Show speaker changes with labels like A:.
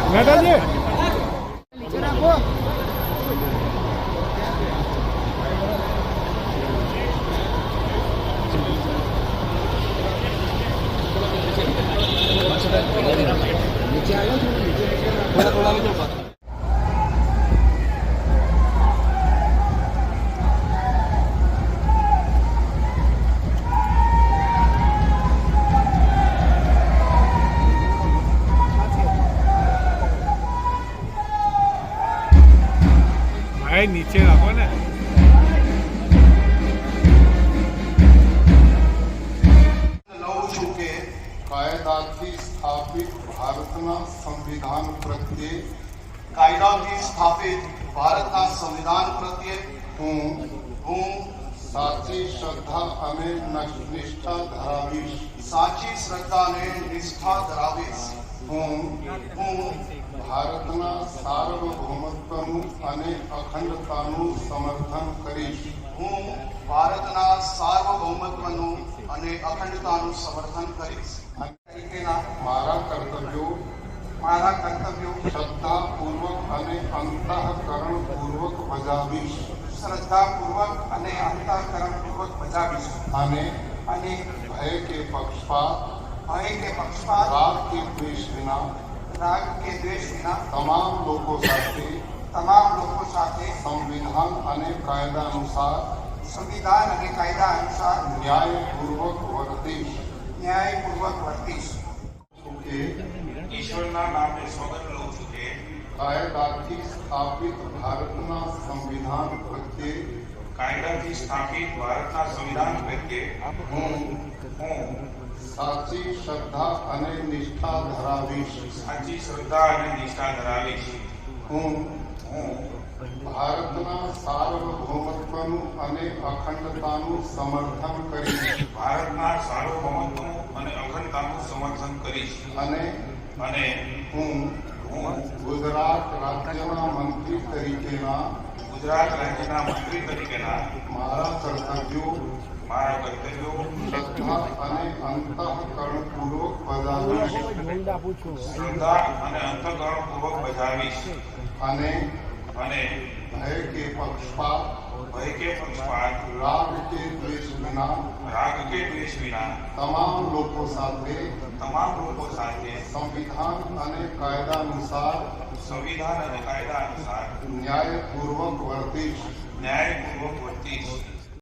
A: મેટાજી ભાઈ નીચે રાખો ને
B: કાયદાથી સ્થાપિત ભારતના સંવિધાન પ્રત્યે કાયદાથી સ્થાપિત ભારતના સંવિધાન પ્રત્યે હું સાચી શ્રદ્ધા અને નિષ્ઠા ધરાવીશ. સાચી શ્રદ્ધા અને નિષ્ઠા ધરાવીશ. હું ભારતના સાર્વભૌમત્વનું અને અખંડતાનું સમર્થન કરીશ. હું ભારતના સાર્વભૌમત્વનું અને અખંડતાનું સમર્થન કરીશ. મારા કર્તવ્યો શ્રદ્ધાપૂર્વક અને અંતઃકરણપૂર્વક બજાવીશ. અને ભય કે પક્ષપાત રાગ કે દ્વેષ વિના તમામ લોકો સાથે સંવિધાન અને કાયદા અનુસાર ન્યાયપૂર્વક વર્તીશ.
C: ઈશ્વરના નામે સોગંદ લઉં છું કે
B: કાયદાથી સ્થાપિત ભારતના સંવિધાન પ્રત્યે હું સાચી શ્રદ્ધા અને નિષ્ઠા ધરાવીશ. હું ભારતના સાર્વભૌમત્વનું અને અખંડતાનું સમર્થન કરીશ. અને હું ગુજરાત રાજ્યના મંત્રી તરીકેના મારા કર્તવ્યો શ્રદ્ધા અને અંતઃકરણપૂર્વક બજાવીશ. અને ભય કે પક્ષપાત રાગ કે દ્વેષ વિના તમામ લોકો સાથે સંવિધાન અને કાયદા અનુસાર ન્યાયપૂર્વક વર્તીશ.